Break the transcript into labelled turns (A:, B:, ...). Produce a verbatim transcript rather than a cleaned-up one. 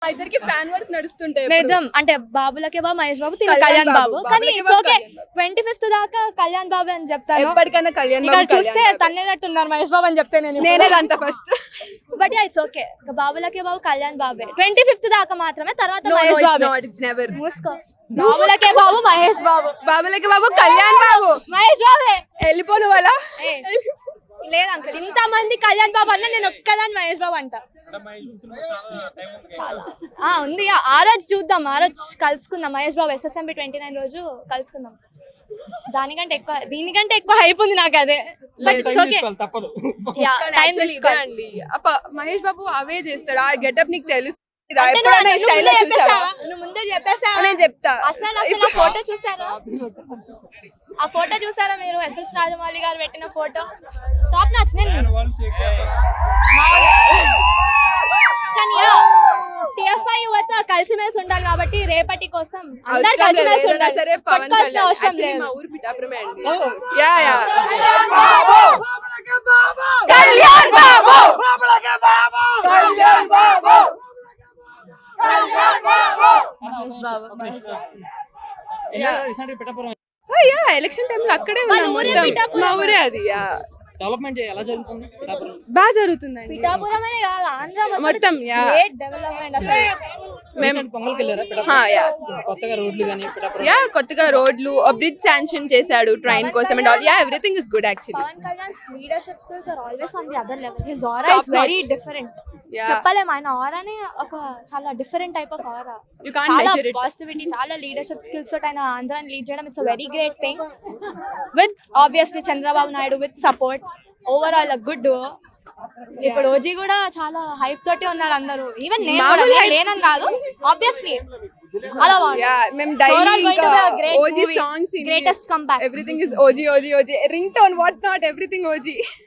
A: ఇద్దరికి fan verse నడుస్తుంటాయి.
B: నిజం అంటే బాబులకే బాబు మహేష్ బాబు తిని కళ్యాణ్ బాబు కానీ ఇట్స్ ఓకే. ట్వంటీ ఫిఫ్త్ దాకా కళ్యాణ్ బాబు అని చెప్తాను.
A: ఎప్పటికైనా కళ్యాణ్
B: ఇక్కడ
A: బాబు
B: చూస్తే తన్నేటట్టున్నారు మహేష్ బాబు అని చెప్తే నేను
A: నేనే అంత first.
B: But yeah it's okay. బాబులకే బాబు కళ్యాణ్ బాబే ట్వంటీ ఫిఫ్త్ దాకా మాత్రమే, తర్వాత మహేష్ బాబు. మూసుకో. బాబులకే బాబు మహేష్ బాబు,
A: బాబులకి బాబు కళ్యాణ్ బాబు
B: మహేష్ బాబే.
A: వెళ్ళిపోను వాళ్ళ
B: లేదు అంకుల్, ఇంత మంది కళ్యాణ్ బాబు అన్న నేను ఒక్కదాన్ని మహేష్ బాబు అంట. ఆ ఉంది, ఆ రోజు చూద్దాం, ఆ రోజు కలుసుకుందాం. Mahesh Babu SSMB twenty nine రోజు కలుసుకుందాం. దానికంటే ఎక్కువ దీనికంటే ఎక్కువ హైప్ ఉంది నాకు అదే. But it's okay. టైం తీసుకోండి.
A: మహేష్ బాబు అవే చేస్తాడు. ఆ గెటప్ నీకు తెలుసు,
B: ముందే చెప్పేసా.
A: నేను చెప్తా.
B: అసలు అసలు ఆ ఫోటో చూసారా? ఆ ఫోటో చూసారా మీరు? ఎస్ఎస్ రాజమౌళి గారు పెట్టిన ఫోటో టాప్ నాచ్. నేను కానీ టిఎఫ్ఐ యువత కలిసిమెలిసి ఉండాలి కాబట్టి రేపటి కోసం అందరు కలిసిమెలిసి ఉండాలి.
A: సరే పవన్ కళ్యాణ్
B: అవసరం లేదు.
A: మా ఊరు పిఠాపురమే అండి. Yeah yeah
C: Kalyan Babu Kalyan Babu Kalyan Babu
B: Mahesh Babu
A: yeah election time లో అక్కడే ఉన్నాం మొత్తం. మా ఊరే అది. యా
C: డెవలప్మెంట్ ఎలా జరుగుతుంది?
A: బాగా జరుగుతుందండి
B: పిఠాపురం అనే కాదు, ఆంధ్ర
A: మొత్తం. యా
B: గ్రేట్ డెవలప్మెంట్ అసలు.
A: మేము
C: పొంగల్కి వెళ్ళారా?
A: యా
C: కొత్తగా రోడ్లు కానీ
A: యా కొత్తగా రోడ్లు, బ్రిడ్జ్ శాంక్షన్ చేశాడు ట్రైన్ కోసం and all. Yeah everything is good actually.
B: Pavan Kalyan's leadership skills are always on the other level. His aura is very different. చెప్పలేం, ఆయన ఆరానే ఒక చాలా different type of aura.
A: You can't
B: చాలా
A: మెజర్ ఇట్.
B: పాజిటివిటీ, చాలా leadership skills తోటి ఆయన ఆంధ్రాని లీడ్ చేయడం it's a very great thing. With obviously Chandrababu Naidu with support, overall good. ఇప్పుడు ఓజీ కూడా చాలా హైప్ తోటి ఉన్నారు అందరూ. ఈవెన్ నేను కూడా, నేను లేనని కాదు, ఆబ్వియస్లీ అలా
A: యా మేము డైలీ ఇంకా OG songs,
B: greatest comeback.
A: Everything is OG OG OG ring tone what not everything OG.